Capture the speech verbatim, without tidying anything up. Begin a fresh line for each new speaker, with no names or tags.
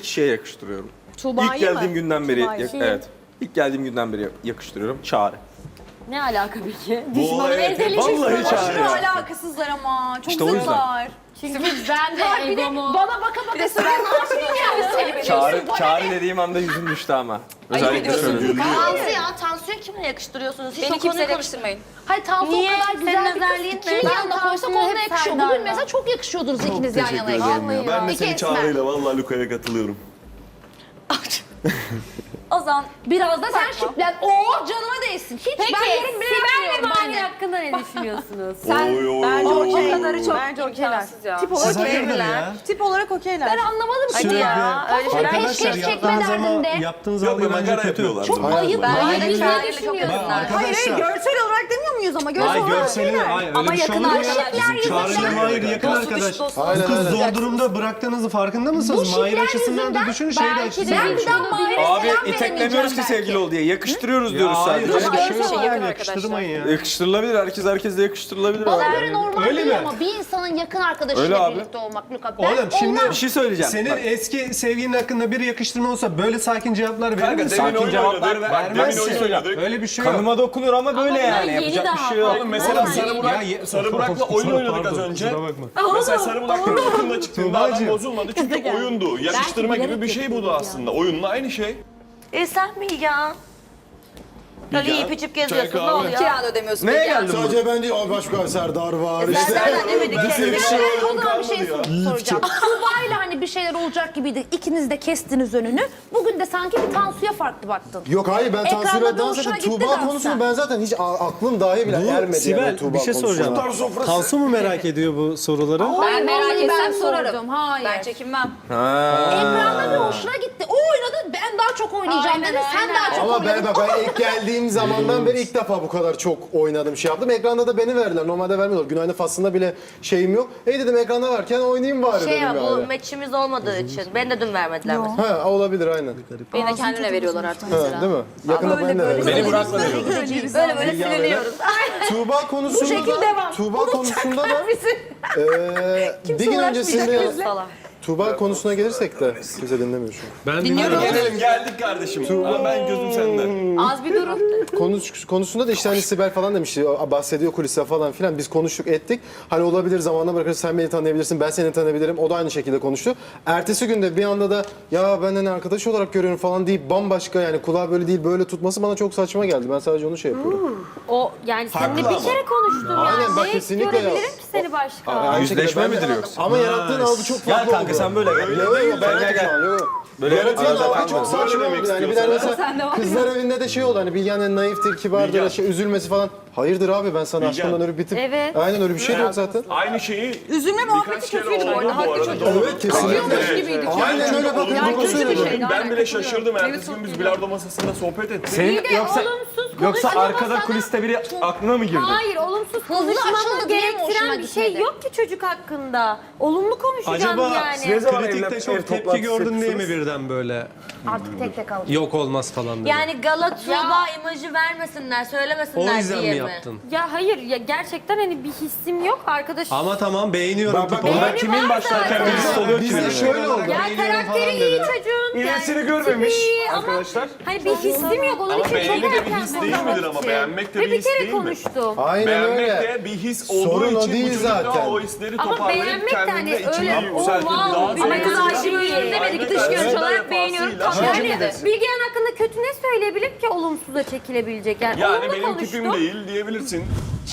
kişiye yakıştırıyorum.
Tuğba'yı
İlk geldiğim
mı?
günden beri,
Tuğba'yı.
yak- evet. İlk geldiğim günden beri yakıştırıyorum. Çağrı.
Ne alaka peki?
Bu
Düşmanı
olay-
ezeli
Vallahi
çıktı.
Çağrı.
Aşırı alakasızlar ama. Çok
İşte o yüzden.
zıtlar.
Çünkü ben de egomu...
Bana baka baka sen
Çağrı, çağrı dediğim anda yüzüm düştü ama. Özellikle şöyle.
Tansu ya, Tansu'yu kimle yakıştırıyorsunuz? Hiç
Beni
o konuyu
kimseyle
konuş-
yakıştırmayın.
Hayır Tansu
Niye?
o kadar
Senin
güzel bir
özelliğin
kız.
ne?
Kimin
Ben
yanında koysak
Tansu'yu
onunla
hep
yakışıyor.
Serdar'la.
Bugün mesela çok yakışıyordunuz ikiniz yan
Teşekkür
yanayken.
ederim ya. Ben de
İki
seni
esmer.
Çağrı'yla vallahi Luka'ya katılıyorum.
O zaman
Biraz da sen şiplen. Oo canıma değsin. Hiç
Peki,
ben yorum bile
Sibel ve
yapmıyorum
Mahir
anne.
hakkında ne düşünüyorsunuz?
Oy oy
bence
oy.
o kadarı çok bence okeyler. Tip olarak
Siz hayırdır
okeyler.
ya?
Tip olarak okeyler.
Ben anlamadım ki
Hadi
ya.
ya, öyle şeyler.
Arkadaşlar
Eşek çekme
yaptığınız ama
derdinde.
yaptığınız
Yok
algı
be
bence
makara
kötü.
yapıyorlar.
Çok
burada.
ayıp.
Ben
Hayır,
Hayır,
güzel
Çağrı'yla çok
düşünüyorsun.
yakınlar.
Hayır hayır
Arkadaşlar.
görsel olarak demiyor muyuz ama görsel
Hayır
olarak
görseli,
okeyler.
hayır öyle
Ama
bir şey olur mu
yakın
ya?
arkadaşlar
Çağrı'yla
yüzünden.
Mahir yakın arkadaş. Bu kız zor durumda bıraktığınızı farkında mısınız?
Bu
Mahir
şipler
açısından da
yüzünden
düşünün, şey de
belki de
açısından
ben bir
düşünün.
daha Mahir'e
Abi
selam
iteklemiyoruz ki
veremeyeceğim
sevgili ol diye. Yakıştırıyoruz
Ya
diyoruz
hayır
sadece.
öyle bir şey yok
Yakın
yani, yakıştırmayın ya.
Yakıştırılabilir. Herkes herkesle yakıştırılabilir
Bana
abi.
göre normal
Öyle
değil
mi?
ama bir insanın yakın
Öyle
arkadaşıyla
abi.
birlikte olmak Luka. Ben
Oğlum şimdi
Bir şey söyleyeceğim.
senin
Bak,
eski sevgilinin hakkında bir yakıştırma olsa böyle sakin cevaplar verir
Kanka
misin?
demin
Sakin
oyun
cevaplar
oynadık.
ver-
Bak demin
vermezsin.
oyun oynadık.
Öyle bir şey yok.
kanıma dokunur ama böyle
ben
yani.
yeni
Yapacak bir
daha
şey yok.
Oğlum mesela Sarı
Ya,
Burak,
ye-
Sarı Burak'la oyun oynadık az
Pardon,
önce.
kusura bakma.
Mesela Sarı Burak oyunda çıktığında adam
Tuğbacığım.
bozulmadı çünkü oyundu. Yakıştırma gibi bir şey bu da aslında. Oyunla aynı şey.
E sen Bilgehan? Öyle
Bilgehan,
yiyip içip
çay
geziyorsun, ne
kahve.
oluyor?
Kira da ödemiyorsun.
Neye
Bilgehan.
geldin bu?
Sadece ben değil, başka Serdar var. İşte.
Serdar demedik
Ben
ki.
seni
Ben
seviyorum
o zaman bir şey
kalmadı ya.
sor- soracağım. Tuğba'yla hani bir şeyler olacak gibiydi. İkiniz de kestiniz önünü. Bugün de sanki bir Tansu'ya farklı baktın.
Yok hayır ben
Ekranda
Tansu'yla
da
dans
hoşuna
ettim.
gitti
Tuğba
dans
konusunu
sen.
ben zaten hiç a- aklım dahi bile ermedi yani
Sibel
Tuğba
bir şey
konusuna.
soracağım.
Tutar sofrası.
Tansu mu merak ediyor bu soruları?
Ben merak
Vallahi
etsem
ben
sorarım.
sordum, hayır.
Ben çekinmem.
Ekranda bir hoşuna gitti. O oynadı, ben daha çok oynayacağım
Aynen,
dedi. Sen
aynen.
daha çok
Ama
oynadın.
ben bak ben ilk geldiğim zamandan beri ilk defa bu kadar çok oynadım şey yaptım. Ekranda da beni verdiler. Normalde vermiyorlar. Günaydın faslında bile şeyim yok. Hey dedim ekranda varken oynayayım bari
Şey
dedim
ya, bu
yani.
meçimiz olmadığı için. Ben de dün vermediler mesela.
Ha olabilir aynen.
Beni de kendine veriyorlar artık
Ha,
mesela.
değil mi? Yakında beni de verdiler.
Beni bırakma diyor.
Böyle böyle siliniyoruz.
Tuğba konusunda
şekil
da
devam.
Tuğba konusunda da eee bir gün öncesinde
Salak.
Tuğba konusuna gelirsek de kimse dinlemiyor şu an.
Ben dinliyorum.
Gelelim geldik kardeşim. Ama ben gözüm sende.
Az bir durun.
Konuş, konusunda da işte hani Sibel falan demişti, bahsediyor kulise falan filan. Biz konuştuk ettik. Hani olabilir zamanla bırakırız, sen beni tanıyabilirsin, ben seni tanıyabilirim. O da aynı şekilde konuştu. Ertesi günde bir anda da ya ben hani arkadaş olarak görüyorum falan deyip bambaşka yani kulağı böyle değil böyle tutması bana çok saçma geldi. Ben sadece onu şey yapıyorum.
O yani seninle
Haklı
bir
ama.
kere konuştum
Aynen,
yani.
bak
Ne
kesinlikle ya.
görebilirim ki seni başka?
Aynı
Yüzleşme
şekilde ben de-
midir yoksa?
Ama yarattığın algı çok farklı
Gel kanka
oldu.
sen böyle gel.
Öyle değil,
Ben
ben
gel
gel
gel. Böyle
Yaratılan
arada
algı
kalma.
çok saçma
Böyle demek
oldu yani. Bir de
istiyorsan
mesela
Sen de var.
kızlar evinde de şey oldu hani Bilgehan yani naiftir, kibardır,
Bilgehan.
şey, üzülmesi falan. Hayırdır abi ben sana
Bilgehan.
aşkımdan ölüp bitip.
Evet.
Aynen öyle bir şey de yok zaten.
Aynı şeyi
Üzülme muhabbeti
birkaç kere
kötüydü bu
oldu
arada. Haklı
arada.
çocuk.
Evet kesinlikle.
Acıyormuş gibiydi.
Aynen
Çünkü
öyle bakın.
olumlu
Yani
kötü bir
söylüyorum.
şey.
Ben bile şaşırdım. Ertesi gün biz bilardo masasında sohbet ettik.
Senin yoksa
olumsuz
yoksa
konuşma
arkada
masada-
kuliste biri aklına mı girdi?
Hayır, olumsuz
açıldı
konuşmamı
diye mi hoşuna
gerektiren bir şey
gitmedi?
yok ki çocuk hakkında. Olumlu konuşacağım
Acaba
yani.
Ne zaman
kritikte
evle-
çok
ev
tepki
toplantısı
gördün diye mi
yapıyorsunuz?
birden böyle
Artık tek tek alacağım.
yok olmaz falan dedi?
Yani Gala Tuğba imajı vermesinler,
O
söylemesinler
yüzden mi
diye mi?
yaptın?
Ya hayır, ya gerçekten hani bir hissim yok arkadaş.
Ama tamam beğeniyorum.
Bak, bak,
tipi.
Orada kimin başlarken birisi oluyor ki?
Bizde şöyle oldu.
Ya
beğeniyorum
karakteri
falan
iyi
dedi.
çocuğun.
İyisini
yani
görmemiş
tipi iyi ama
arkadaşlar.
Hani bir hissim yok. Onun
Ama
için çok
beğeni de bir
erken
his değil
konuşmak
midir ama?
için.
Beğenmek de
Ve
bir
bir
his
kere
değil mi?
konuştum.
Aynen
Beğenmek
öyle.
de bir his olduğu
Sorun o
için
değil
bu çocuk da
zaten.
o hisleri
Ama
toparlayıp
beğenmek de hani
kendinde içini
öyle o
yükseltip
wow.
daha
Ama
zevkli
kız
bir-
aşırı iyi demedi ki dış
Aynen.
görünüş
Evet.
olarak beğeniyorum. Tam
Defasıyla.
yani Bilgehan hakkında kötü ne söyleyebilir ki olumsuza çekilebilecek? Yani,
Yani
olumlu
benim
konuştu.
tipim değil diyebilirsin.